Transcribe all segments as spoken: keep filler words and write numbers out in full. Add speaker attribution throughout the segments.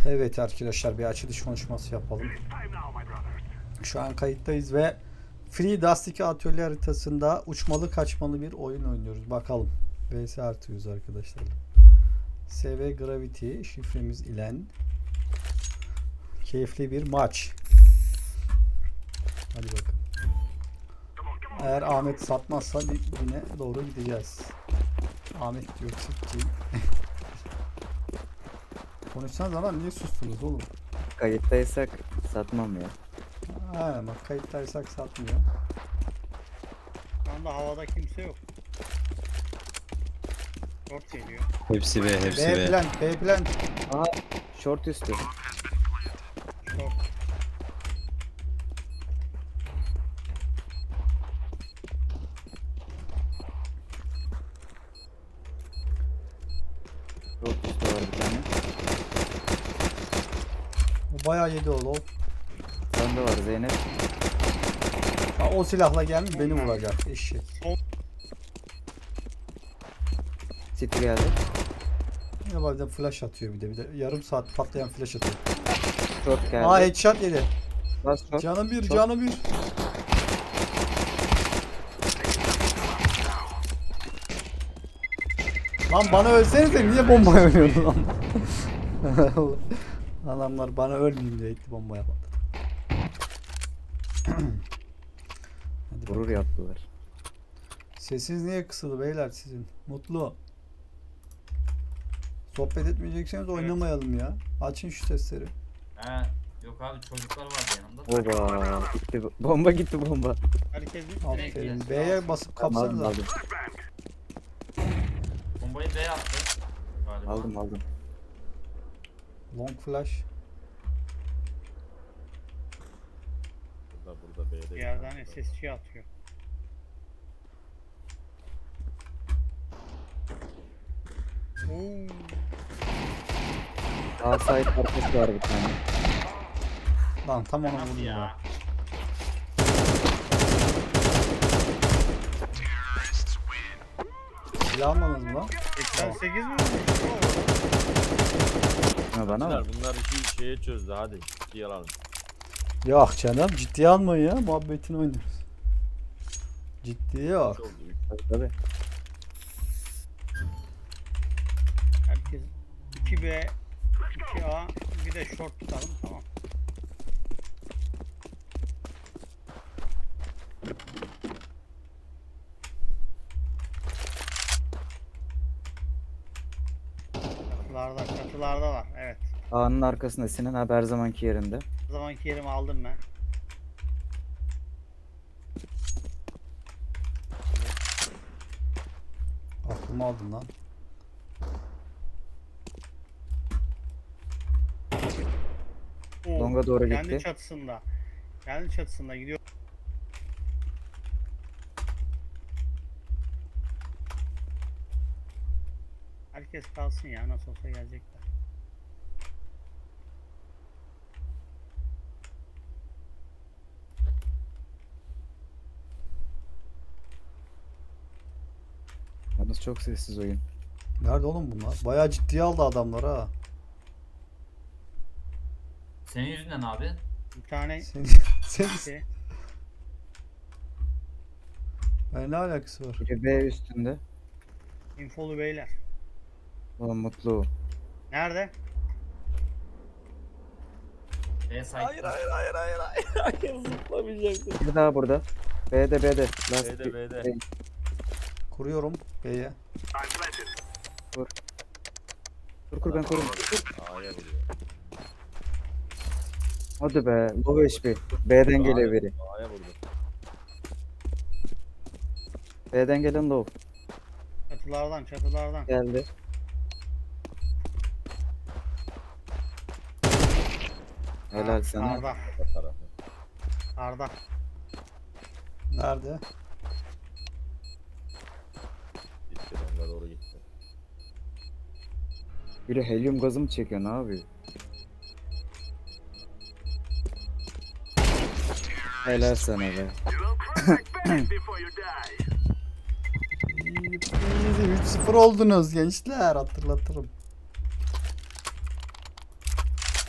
Speaker 1: Evet arkadaşlar, bir açılış konuşması yapalım. Şu an kayıttayız ve Free Dust iki atölye haritasında uçmalı kaçmalı bir oyun oynuyoruz. Bakalım. V S artıyoruz arkadaşlar. S V Gravity şifremiz ile keyifli bir maç. Hadi bakalım. Eğer Ahmet satmazsa yine doğru gideceğiz. Ahmet diyor çıkacağım. Konuşsanız ama niye sustunuz oğlum?
Speaker 2: Kayıttaysak satmam ya.
Speaker 1: Ha, bak kayıttaysak satmıyor.
Speaker 3: Şu anda havada kimse yok. Short geliyor.
Speaker 4: Hepsi B, hepsi
Speaker 1: B
Speaker 4: B.
Speaker 1: plant, B plant.
Speaker 2: Aha short üstü.
Speaker 3: Short.
Speaker 2: Short üstü var bir tane.
Speaker 1: Bu bayağı yedi oğlum.
Speaker 2: Sende var Zeynep.
Speaker 1: Ha, o silahla gelmiş beni vuracak eşek.
Speaker 2: City geldi.
Speaker 1: Ya bazen flash atıyor bir de bir de yarım saat patlayan flash atıyor.
Speaker 2: Short geldi.
Speaker 1: Aa headshot yedi.
Speaker 2: Last short.
Speaker 1: Canı bir,
Speaker 2: Short.
Speaker 1: canı bir. Lan bana ölsenize niye bomba oynuyorsun lan? Adamlar bana ölmeyeyim diye gitti bomba yapmadı. Hadi
Speaker 2: Vurur
Speaker 1: bakalım.
Speaker 2: yaptılar.
Speaker 1: Sesiniz niye kısıldı beyler sizin? Mutlu. Sohbet etmeyecekseniz oynamayalım ya. Açın şu sesleri.
Speaker 5: He, yok abi çocuklar vardı yanımda.
Speaker 2: Oba gitti. Bomba gitti bomba.
Speaker 3: Herkes bir
Speaker 1: Aferin. B'ye basıp
Speaker 2: Tamam, aldım
Speaker 1: kapsanıza.
Speaker 2: aldım.
Speaker 5: Bombayı B attı. Galiba.
Speaker 2: Aldım aldım.
Speaker 1: Long flash.
Speaker 4: Burada burada B'de.
Speaker 3: bir yerden S S G atıyor. Oo.
Speaker 2: Sağ side arkası var bir tane.
Speaker 1: Lan tam ona
Speaker 5: Nasıl
Speaker 1: vurdum ya.
Speaker 5: ya?
Speaker 1: Silah almadınız mı lan?
Speaker 3: seksen sekiz mi?
Speaker 2: Ha bana
Speaker 4: Bunlar,
Speaker 2: mı?
Speaker 4: bunlar işi şeye çözdü hadi. Ciddiye alalım.
Speaker 1: Yok canım ciddiye almayın ya. Muhabbetini oynuyoruz. Ciddiye yok.
Speaker 4: Çok büyük.
Speaker 2: Tabii tabii.
Speaker 3: Herkes iki B, iki A, bir de short tutalım tamam. Çatılarda, çatılarda var. Evet.
Speaker 2: A'nın arkasında Sinan abi her zamanki yerinde.
Speaker 3: O zamanki yerimi aldım ben.
Speaker 1: Aklımı aldın lan.
Speaker 3: Oo,
Speaker 2: Longa doğru
Speaker 3: kendi
Speaker 2: gitti.
Speaker 3: çatısında. Kendi çatısında gidiyor. Herkes kalsın ya nasıl olsa gelecekler.
Speaker 2: Yalnız çok sessiz oyun.
Speaker 1: Nerede oğlum bunlar? Bayağı ciddiye aldı adamlar ha.
Speaker 5: Senin yüzünden abi.
Speaker 3: Bir tane
Speaker 1: Sen, sen,
Speaker 3: şey,
Speaker 1: ben ne alakası var?
Speaker 2: Biri B üstünde.
Speaker 3: infolu beyler.
Speaker 2: Oğlum mutlu.
Speaker 3: Nerede?
Speaker 5: B site.
Speaker 1: hayır hayır hayır hayır. Hayır zıplamayacaktım.
Speaker 2: Bir daha burada. B'de B'de. Last
Speaker 4: B'de B'de.
Speaker 2: B.
Speaker 1: Kuruyorum B'ye.
Speaker 2: Kur kur ben kurum.
Speaker 4: A'ya vuruyor.
Speaker 2: Hadi be. Low H P. B'den geliyor biri.
Speaker 4: A'ya vurdu.
Speaker 2: B'den gelen low.
Speaker 3: Çatılardan çatılardan.
Speaker 2: Geldi. Helal
Speaker 3: Aa,
Speaker 2: sana.
Speaker 3: Arda.
Speaker 4: O tarafı.
Speaker 3: Arda.
Speaker 1: Nerede?
Speaker 4: Gitti longa doğru gitti.
Speaker 2: Biri helyum gazı mı çekiyor ne yapıyor? Helal sana be.
Speaker 1: üç sıfır oldunuz gençler, hatırlatırım.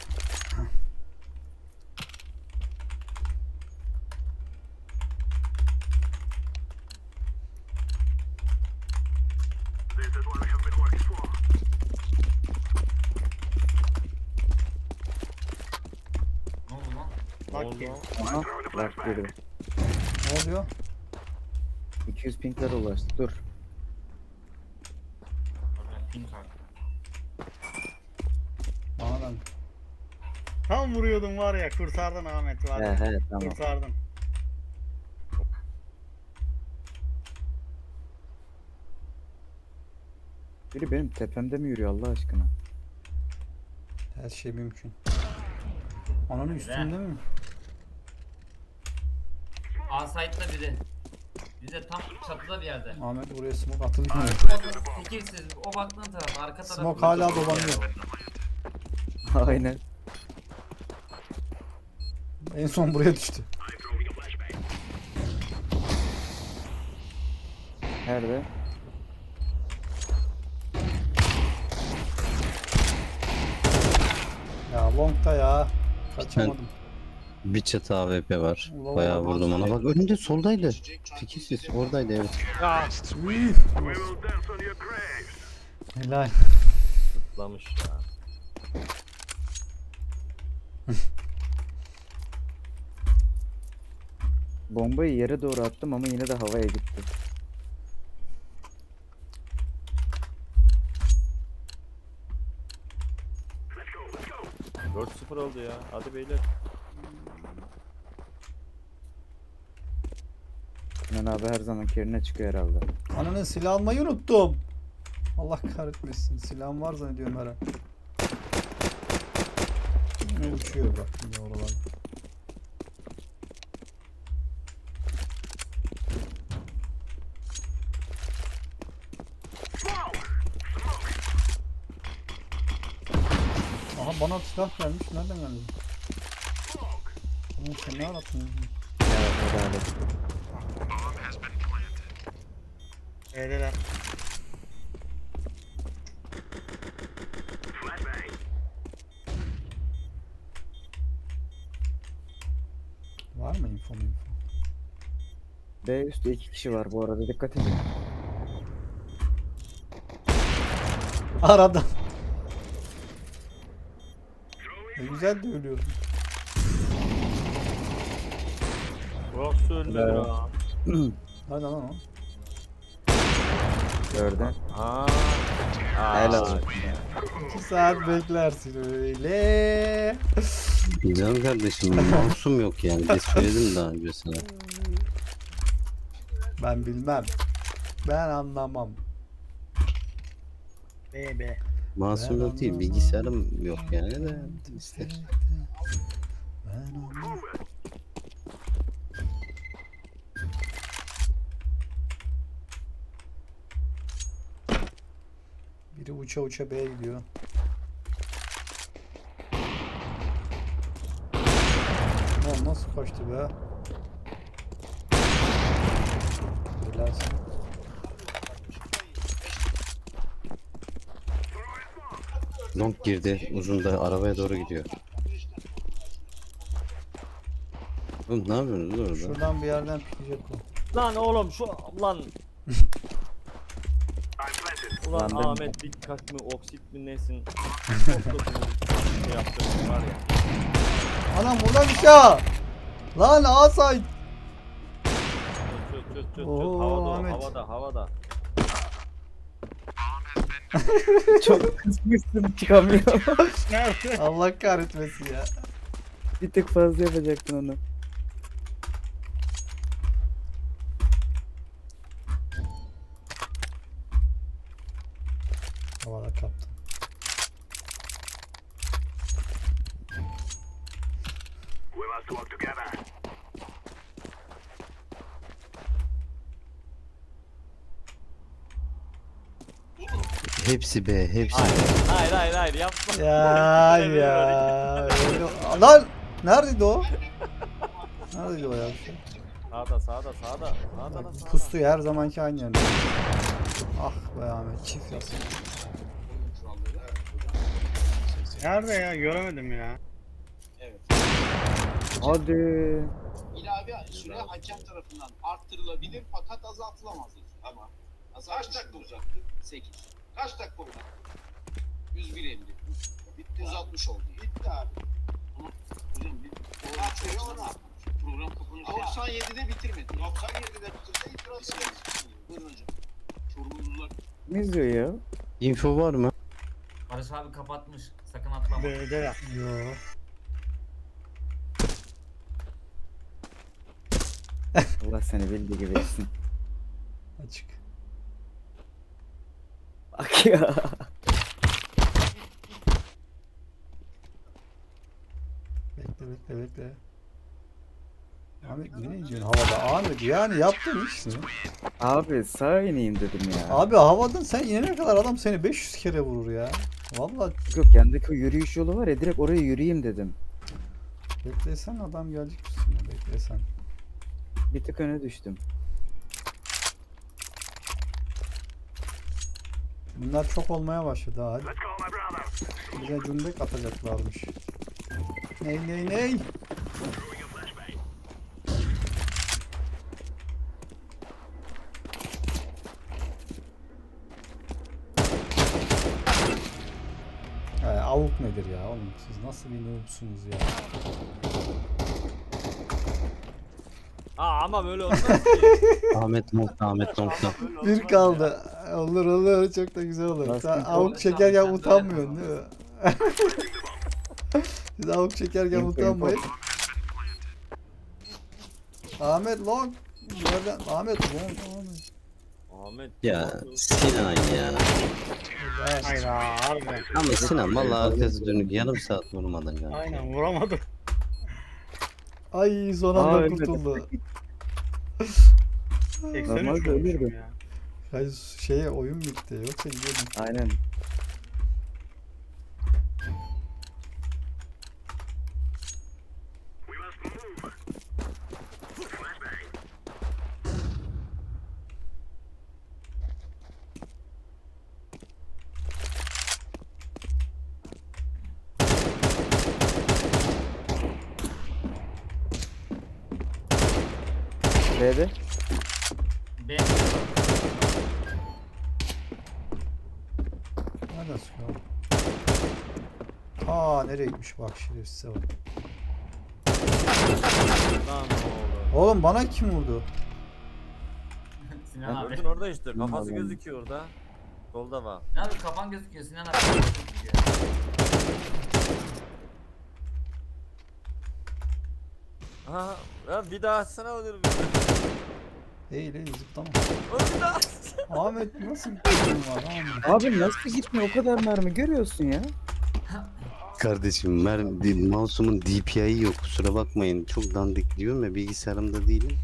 Speaker 3: Lucky.
Speaker 2: Aha. Bak girdi.
Speaker 1: Ne oluyor?
Speaker 2: iki yüz pinklere ulaştı. Dur.
Speaker 5: Oradan ping var.
Speaker 1: Bana ben.
Speaker 3: Tam vuruyordum var ya, kurtardın Ahmet var
Speaker 2: He
Speaker 3: ya.
Speaker 2: he tamam.
Speaker 3: Kurtardın.
Speaker 2: Biri benim tepemde mi yürüyor Allah aşkına?
Speaker 1: Her şey mümkün. Ananın üstünde mi?
Speaker 5: A site'da biri. Bize tam çatıda bir yerde.
Speaker 1: Ahmet buraya smoke atılıyor.
Speaker 5: O fikirsiz. O baktığın taraf arka taraf.
Speaker 1: Smoke hala dolanıyor.
Speaker 2: Aynen.
Speaker 1: En son buraya düştü.
Speaker 2: Nerede?
Speaker 1: Ya longta ya. Kaçamadım.
Speaker 6: Bir çatı A W P var.
Speaker 1: Ulan
Speaker 6: Bayağı
Speaker 1: ulan.
Speaker 6: vurdum ona. Bak önünde soldaydı. Fikirsiz. Oradaydı evet.
Speaker 1: Üf. Helal.
Speaker 4: Zıplamış ya.
Speaker 2: Bombayı yere doğru attım ama yine de havaya gitti.
Speaker 4: dört sıfır oldu ya. Hadi beyler.
Speaker 2: Sinan abi her zaman yerine çıkıyor herhalde.
Speaker 1: Ananın silah almayı unuttum. Allah kahretmesin. Silahım var zannediyorum her an. Ne uçuyor bak yine oralar. Aha bana silah gelmiş. Nereden geldi? Oğlum sen ne arattın?
Speaker 2: Ya herhalde.
Speaker 3: B'deler.
Speaker 1: Var mı info info?
Speaker 2: B üstte iki kişi var bu arada dikkat edin.
Speaker 1: Aradan. Ne güzel de ölüyorsun.
Speaker 4: Burası ölmedi
Speaker 2: Evet.
Speaker 4: ha.
Speaker 1: Hadi lan o.
Speaker 2: Gördün.
Speaker 4: Aa.
Speaker 2: Helal olsun.
Speaker 1: İki saat beklersin öyle.
Speaker 6: Canım kardeşim mouse'um yok yani. Bir söyledim daha önce sana.
Speaker 1: Ben bilmem. Ben anlamam.
Speaker 3: B B.
Speaker 6: Mouse'um
Speaker 1: Ben
Speaker 6: yok değil.
Speaker 1: anlamam.
Speaker 6: Bilgisayarım yok yani de. İşte.
Speaker 1: Ben anlamam. Biri uça uça B'ye gidiyor. Lan nasıl kaçtı be? Helalsin.
Speaker 6: Long girdi. Uzun da arabaya doğru gidiyor. Oğlum ne yapıyorsunuz orada?
Speaker 1: Şuradan bir yerden pikleyecek o.
Speaker 4: Lan oğlum şu lan. Ulan
Speaker 2: Lan ben-
Speaker 4: Ahmet dikkat mi oksit mi nesin? Çok da bu şey yaptığın var ya.
Speaker 1: Anam buradan bir şey. Lan asay.
Speaker 4: Çöz çöz çöz çöz.
Speaker 1: Oo,
Speaker 4: Havada o,
Speaker 1: Ahmet.
Speaker 4: havada havada.
Speaker 2: Çok kısmışsın çıkamıyor.
Speaker 3: Nerede?
Speaker 1: Allah kahretmesin ya.
Speaker 2: Bir tık fazla yapacaktın onu.
Speaker 1: Havada kaptım.
Speaker 6: Hepsi B. Hepsi
Speaker 4: Hayır
Speaker 6: B.
Speaker 4: hayır hayır, hayır yapma.
Speaker 1: Ya ya. Öyle- Lan neredeydi o? Neredeydi o ya?
Speaker 4: Sağda sağda sağda. Sağda lan sağda.
Speaker 1: Pustu ya, her zamanki aynı yerde. Ah be Ahmet çift yapsın.
Speaker 3: Nerede ya? Göremedim ya.
Speaker 2: Hadi.
Speaker 7: İlave süre hakem tarafından arttırılabilir fakat azaltılamaz. Ama kaç dakika uzattı? sekiz. Kaç dakika uzattı? yüz bir elli. Bitti. yüz altmış oldu. Bitti abi. Hocam bir program çalıştı. Program kapanıyor. doksan yedide bitirmedi. doksan yedide bitirse itiraz ederiz. Buyurun hocam. Çorumlular.
Speaker 2: Ne izliyor ya?
Speaker 6: Info var mı?
Speaker 5: Barış abi kapatmış. Sakın atlama.
Speaker 3: B'de ya.
Speaker 1: Yo.
Speaker 2: Allah seni bildiği gibi etsin.
Speaker 1: Açık.
Speaker 2: Bak ya.
Speaker 1: Bekle bekle bekle. Ahmet ne gidiyorsun havada? Ahmet yani yaptın işte.
Speaker 2: Abi sağa ineyim dedim ya.
Speaker 1: Abi havadan sen inene kadar adam seni beş yüz kere vurur ya. Vallahi
Speaker 2: Yok yandaki o yürüyüş yolu var ya direkt oraya yürüyeyim dedim.
Speaker 1: beklesen adam gelecek üstüne beklesen.
Speaker 2: Bir tık öne düştüm.
Speaker 1: Bunlar çok olmaya başladı ha. Hadi. Bize cümbek atacaklarmış. Ney ney ney? He, avuk nedir ya oğlum? Siz nasıl bir noobsunuz ya?
Speaker 4: Aa ama böyle olmaz ki.
Speaker 6: Ahmet nokta Ahmet nokta.
Speaker 4: Böyle olmaz
Speaker 1: Bir
Speaker 4: ya.
Speaker 1: kaldı. Olur olur çok da güzel olur.
Speaker 2: Nasıl
Speaker 1: Sen
Speaker 2: bir
Speaker 1: avuk
Speaker 5: kaldı?
Speaker 1: çekerken
Speaker 5: Sen de
Speaker 1: utanmıyorsun
Speaker 5: öyle
Speaker 1: değil mi? Siz avuk çekerken
Speaker 2: Info,
Speaker 1: utanmayın. Ahmet long. Nereden? Ahmet long. Ahmet.
Speaker 4: Ahmet.
Speaker 6: Ya Sinan ya.
Speaker 3: Hayır abi.
Speaker 6: Ama Sinan valla arkası dönük yarım saat vurmadın galiba.
Speaker 3: Aynen vuramadım.
Speaker 1: Ay son
Speaker 2: Aa,
Speaker 1: anda
Speaker 2: ölmedi.
Speaker 1: kurtuldu.
Speaker 3: seksen
Speaker 2: Normalde
Speaker 3: üç vurmuşum
Speaker 2: ölürdü.
Speaker 3: ya.
Speaker 1: Hayır şeye oyun bitti yoksa gidiyordum.
Speaker 2: Aynen. B'de.
Speaker 5: B.
Speaker 1: Nereden sıkıyor? Aa nereye gitmiş bak şerefsize bak.
Speaker 4: Lan oğlum.
Speaker 1: Oğlum bana kim vurdu?
Speaker 5: Sinan abi.
Speaker 4: Gördün orada işte. Kafası
Speaker 2: Vallahi.
Speaker 4: gözüküyor orada. Solda var.
Speaker 5: Sinan abi kafan gözüküyor. Sinan abi kafan gözüküyor.
Speaker 4: Aha. Ya bir daha atsana olur.
Speaker 1: Değil değil zıplama.
Speaker 4: Bir daha.
Speaker 1: Ahmet nasıl bir kızın var Ahmet?
Speaker 2: Abi nasıl gitmiyor o kadar mermi görüyorsun ya.
Speaker 6: Kardeşim mermi, mouse'umun D P I'yi yok kusura bakmayın. Çok dandik diyorum ya bilgisayarımda değilim.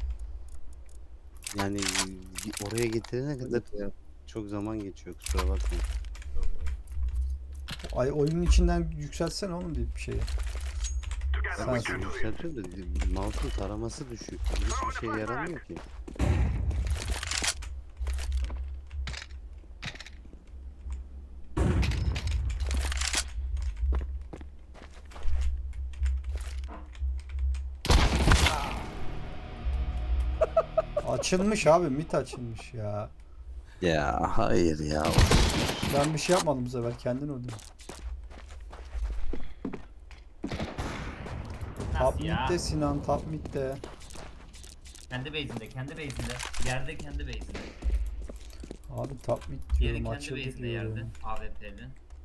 Speaker 6: Yani oraya getirene kadar çok zaman geçiyor kusura bakmayın.
Speaker 1: Ay oyunun içinden yükseltsene oğlum deyip bir şeyi. Sen
Speaker 6: Kardeşim yükseltiyor da mouse'un taraması düşük. Hiçbir şey yaramıyor ki.
Speaker 1: açılmış abi mit açılmış ya.
Speaker 6: Ya hayır ya.
Speaker 1: Ben bir şey yapmadım bu sefer kendin öldün. Top
Speaker 5: Nasıl ya?
Speaker 1: mid'de Sinan top mid'de.
Speaker 5: Kendi base'inde, kendi base'inde. Yerde kendi base'inde.
Speaker 1: Abi top mid
Speaker 5: Yeri
Speaker 1: diyorum
Speaker 5: kendi
Speaker 1: açıldı
Speaker 5: base'inde yerde.
Speaker 1: diyorum.
Speaker 5: A W P'li.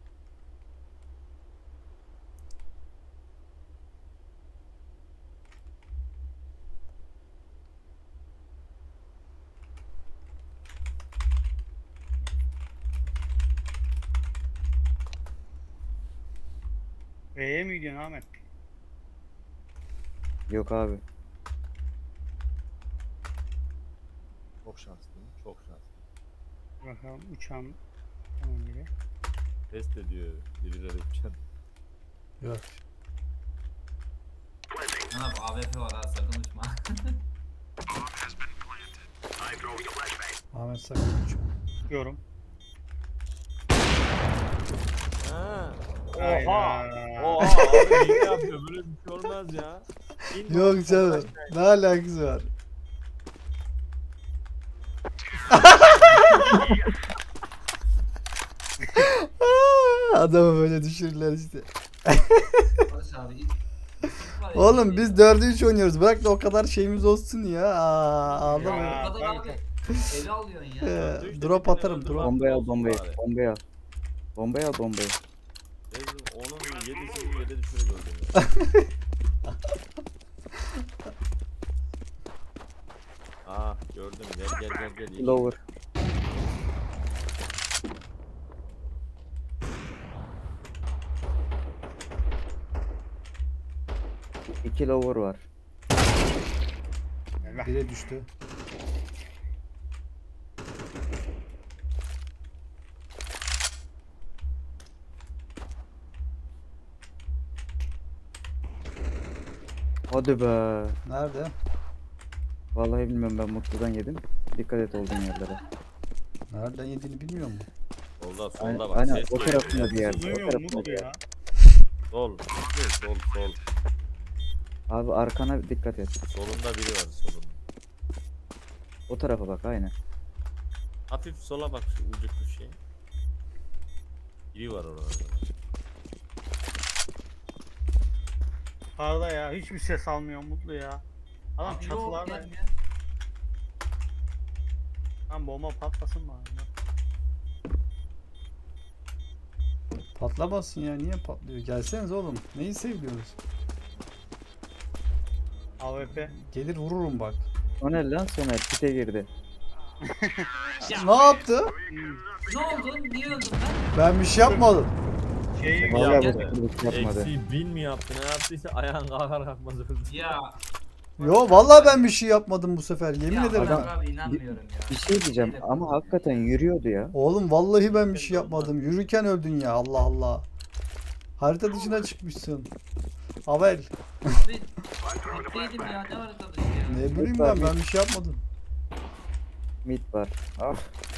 Speaker 3: B'ye mi gidiyorsun Ahmet?
Speaker 2: Yok abi.
Speaker 4: Çok şanslıyım. Çok şanslıyım.
Speaker 3: Bakalım uçağım tamam biri.
Speaker 4: Test ediyor birileri uçan.
Speaker 1: Yok.
Speaker 5: Sinan abi A W P var ha sakın uçma.
Speaker 1: Ahmet sakın uçma.
Speaker 3: Çıkıyorum.
Speaker 4: Ha.
Speaker 3: Hayda.
Speaker 4: Oha. Oha abi ne yapıyor böyle bir şey olmaz ya. İn
Speaker 1: Yok
Speaker 4: bak,
Speaker 1: canım. Ne alakası var? Adamı böyle düşürürler işte.
Speaker 5: Barış abi ilk Var ya,
Speaker 1: Oğlum
Speaker 5: şey
Speaker 1: biz
Speaker 5: ya.
Speaker 1: dörde üç oynuyoruz. Bırak da o kadar şeyimiz olsun ya. Aa, ağlama.
Speaker 3: Ya,
Speaker 5: Bu kadar
Speaker 3: tabii,
Speaker 5: abi. Ele alıyorsun ya.
Speaker 1: Ee,
Speaker 4: Üçte
Speaker 1: drop
Speaker 4: bir
Speaker 1: atarım
Speaker 4: tane
Speaker 1: drop.
Speaker 4: öldü.
Speaker 2: Bombayı al
Speaker 4: olsun
Speaker 2: bombayı.
Speaker 4: bari.
Speaker 2: Bombayı al. Bombayı al bombayı.
Speaker 4: Rezil onun yedisini yere düşürüp öldüm ya. Aa gördüm gel gel gel gel.
Speaker 2: Lower. İki lower var.
Speaker 3: Eyvah.
Speaker 1: Bire düştü.
Speaker 2: Hadi be.
Speaker 1: Nerede?
Speaker 2: Vallahi bilmiyorum, ben mutludan yedim. Dikkat et olduğun yerlere.
Speaker 1: Nereden yediğini bilmiyor mu?
Speaker 4: Solda
Speaker 2: Aynen,
Speaker 4: solda bak.
Speaker 2: aynen
Speaker 4: ses
Speaker 2: o
Speaker 4: geliyor
Speaker 2: tarafında
Speaker 4: ya.
Speaker 2: bir yerde. O
Speaker 3: Duymuyor
Speaker 2: tarafında
Speaker 3: musun
Speaker 2: bir yerde.
Speaker 3: ya?
Speaker 4: Sol. Sol sol.
Speaker 2: Abi arkana dikkat et.
Speaker 4: Solunda biri var solunda.
Speaker 2: O tarafa bak aynen.
Speaker 4: Hafif sola bak şu ucuk bir şey. Biri var orada.
Speaker 3: Arda ya hiçbir ses almıyor Mutlu ya. Adam
Speaker 5: Abi yok,
Speaker 3: çatılarda.
Speaker 5: gelmiyor.
Speaker 3: Lan bomba patlasın mı?
Speaker 1: Patlamasın ya. Niye patlıyor? Gelseniz oğlum. Neyi seviyorsunuz?
Speaker 3: A W P.
Speaker 1: Gelir vururum bak.
Speaker 2: Soner lan Soner pite girdi.
Speaker 1: Ne yaptı?
Speaker 5: Ne oldu? Niye öldüm ben?
Speaker 1: Ben bir şey yapmadım.
Speaker 3: Şey
Speaker 2: Vallahi
Speaker 5: ya,
Speaker 2: bu kırılık yapmadı.
Speaker 4: Eksi bin mi yaptı ne yaptıysa ayağın kalkar kalkmaz öldü.
Speaker 5: Ya.
Speaker 1: Yo vallahi ben bir şey yapmadım bu sefer. Yemin
Speaker 5: ya
Speaker 1: ederim.
Speaker 5: Adam,
Speaker 1: ha.
Speaker 5: abi inanmıyorum ya.
Speaker 2: Bir şey diyeceğim ama hakikaten yürüyordu ya.
Speaker 1: Oğlum vallahi ben bir şey yapmadım. Yürürken öldün ya. Allah Allah. Harita dışına çıkmışsın. Avel.
Speaker 5: Abi bittiydim ya ne var arkadaş ya.
Speaker 1: Ne bileyim ben ben bir şey yapmadım.
Speaker 2: Mid var. Ah.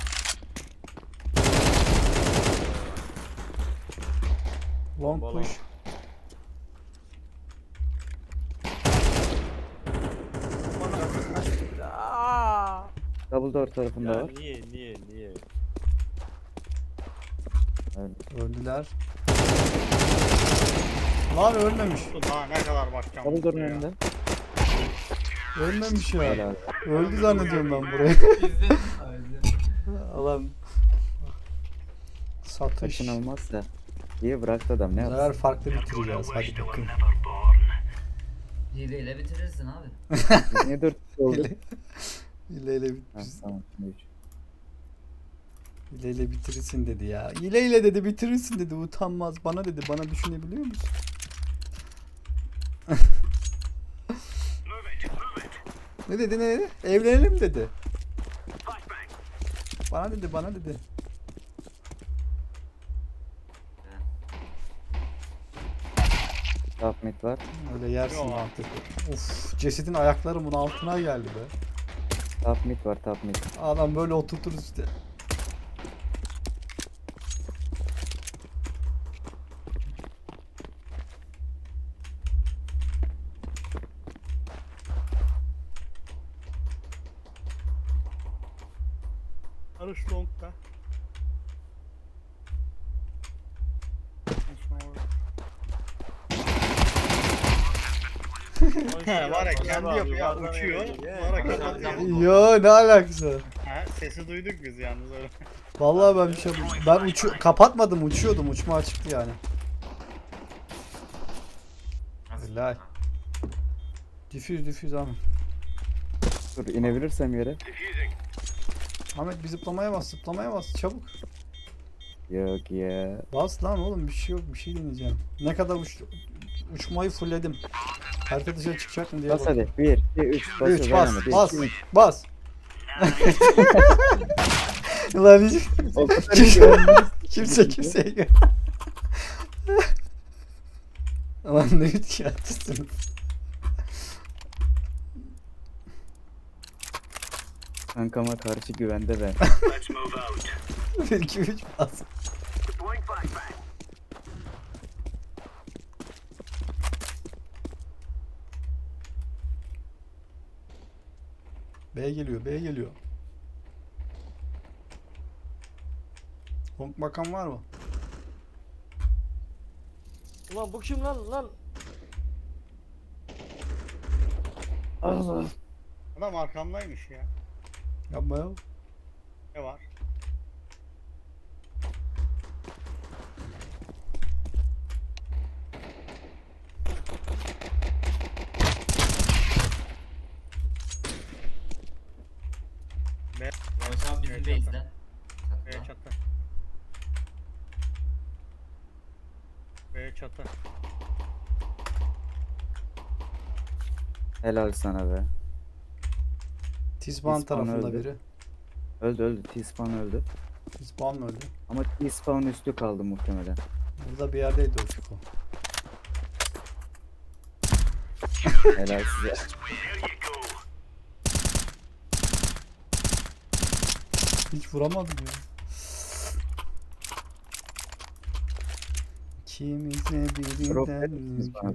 Speaker 1: Long
Speaker 4: Bomba
Speaker 1: push.
Speaker 2: Double door tarafında
Speaker 4: Ya
Speaker 2: var.
Speaker 4: niye niye niye?
Speaker 1: Öldüler. Lan ölmemiş.
Speaker 3: Daha ne kadar bakacağım.
Speaker 2: Double door'un
Speaker 3: Mutlu ya.
Speaker 2: önünde.
Speaker 1: Ölmemiş ya.
Speaker 2: Hala.
Speaker 1: Öldü zannediyorum ben burayı.
Speaker 5: İzledim sadece.
Speaker 1: Alan. Satış.
Speaker 2: Kaçınılmazsa. İyi bıraktı adam, ne
Speaker 1: Bu
Speaker 2: yapsın?
Speaker 1: sefer farklı bitireceğiz. Hadi bakın.
Speaker 5: Hileyle bitirirsin abi.
Speaker 2: Biz niye dört kişi oldu?
Speaker 1: İle ile ile
Speaker 2: Ha,
Speaker 1: bit-
Speaker 2: tamam. üç.
Speaker 1: ile ile bitirirsin dedi ya. İle ile dedi bitirirsin dedi. Utanmaz. Bana dedi. Bana düşünebiliyor musun? Ne dedi ne dedi? Evlenelim dedi. Bana dedi bana dedi.
Speaker 2: Top mid var.
Speaker 1: Öyle yersin
Speaker 3: Yok.
Speaker 1: artık. Uf cesedin ayakları bunun altına geldi be.
Speaker 2: Top mid var, top mid.
Speaker 1: Adam böyle oturturuz işte.
Speaker 3: Arış long'da. He, var ya kendi yapıyor uçuyor. Sonra kapatıyor.
Speaker 1: Yo ne alakası var?
Speaker 3: Ha, sesi duyduk biz yalnız öyle.
Speaker 1: Vallahi ben bir şey yapmadım. Ben uçu kapatmadım uçuyordum. Uçma açıktı yani. Helal. Difüz difüz Ahmet.
Speaker 2: Dur inebilirsem yere.
Speaker 1: Ahmet bir zıplamaya bas zıplamaya bas çabuk.
Speaker 2: Yok ya.
Speaker 1: Bas lan oğlum bir şey yok bir şey deneyeceğim. Ne kadar uç, uçmayı fullledim. Harita dışarı çıkacak mı diye
Speaker 2: Bas
Speaker 1: bak.
Speaker 2: hadi. bir, iki, üç. Bas.
Speaker 1: üç bas
Speaker 2: Bir,
Speaker 1: bas
Speaker 2: iki, üç.
Speaker 1: bas. Ulan hiç
Speaker 2: O kadar
Speaker 1: Kimse-
Speaker 2: iyi oynuyoruz.
Speaker 1: kimse kimseye gör. Ulan ne üç yaptısın.
Speaker 2: Kankama karşı güvende ben.
Speaker 1: bir iki üç bas. B geliyor, B geliyor. Honk bakan var mı?
Speaker 4: Ulan bu kim lan lan?
Speaker 2: Allah.
Speaker 3: Adam arkamdaymış ya.
Speaker 1: Yapma ya.
Speaker 3: Ne var?
Speaker 5: Barış abi bizim
Speaker 3: Evet,
Speaker 5: base'de.
Speaker 3: B
Speaker 5: Çatıda.
Speaker 3: çatı. B çatı.
Speaker 2: Helal sana be.
Speaker 1: T-Spawn
Speaker 2: T-Spawn
Speaker 1: tarafında
Speaker 2: öldü.
Speaker 1: biri.
Speaker 2: Öldü öldü. T-Spawn öldü.
Speaker 1: T-Spawn mı öldü?
Speaker 2: Ama T-Spawn üstü kaldı muhtemelen.
Speaker 1: Burada bir yerdeydi o Fiko.
Speaker 2: Helal size.
Speaker 1: Hiç vuramadım ya. İkimize
Speaker 2: Drop
Speaker 1: birinden
Speaker 2: verir misiniz bana?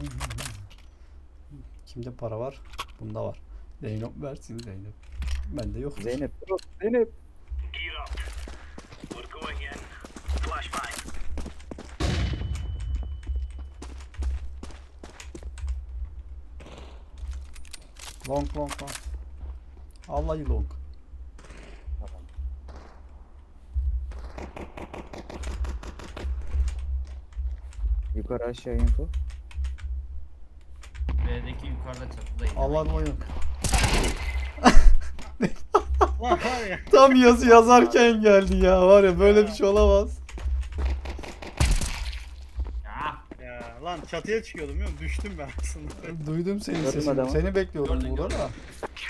Speaker 1: Kimde para var? Bunda var. Zeynep versin Zeynep. Bende yok.
Speaker 2: Zeynep. Zeynep.
Speaker 1: Long long long. Vallahi long.
Speaker 2: Yukarı aşağı info.
Speaker 5: B'deki yukarıda çatıdaydı.
Speaker 1: Allah oyun.
Speaker 3: Lan var ya.
Speaker 1: Tam yazı yazarken geldi ya. Var ya böyle bir şey olamaz.
Speaker 5: Ya.
Speaker 3: Ya lan çatıya çıkıyordum biliyor musun? Düştüm ben aslında.
Speaker 1: Duydum senin
Speaker 2: Gördüm
Speaker 1: sesini.
Speaker 2: adamı.
Speaker 1: Seni bekliyordum
Speaker 5: Gördüm,
Speaker 1: burada da.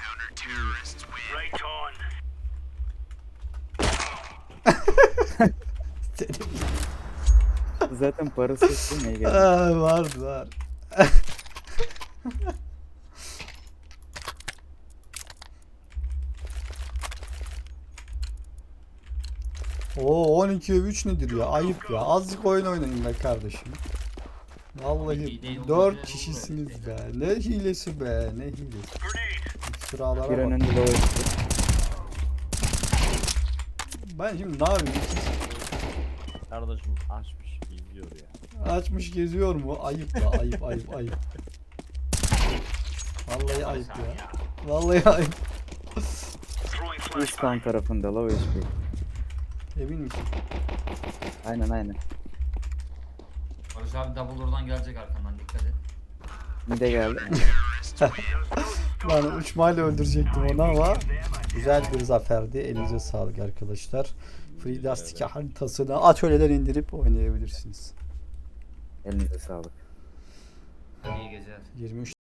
Speaker 1: Seni...
Speaker 2: Zaten parası yok değil mi? Geldi.
Speaker 1: Aa, var var. Oo on ikiye üç nedir ya? Ayıp ya. Azıcık oyun oynayın be kardeşim. Vallahi
Speaker 5: İyi değil,
Speaker 1: dört
Speaker 5: olur,
Speaker 1: kişisiniz
Speaker 5: olur
Speaker 1: be. Ne hilesi be, ne hilesi. İftiralara
Speaker 2: Bir
Speaker 1: bak.
Speaker 2: önünde low üstü.
Speaker 1: Ben şimdi ne yapayım?
Speaker 4: Kardeşim açmış izliyor ya.
Speaker 1: Açmış geziyor mu? Ayıp ya, ayıp, ayıp, ayıp. Vallahi ayıp ya. Vallahi ayıp.
Speaker 2: T-Spawn tarafında low H P.
Speaker 1: Emin misin?
Speaker 2: Aynen aynen.
Speaker 5: Barış abi double oradan gelecek arkandan, dikkat et.
Speaker 2: Mide geldi.
Speaker 1: Ben uçmayla öldürecektim onu ama güzel bir zaferdi. Elinize sağlık arkadaşlar. Free Dust iki haritasını atölyeden indirip oynayabilirsiniz.
Speaker 2: Elinize sağlık.
Speaker 5: İyi geceler.
Speaker 1: yirmi üç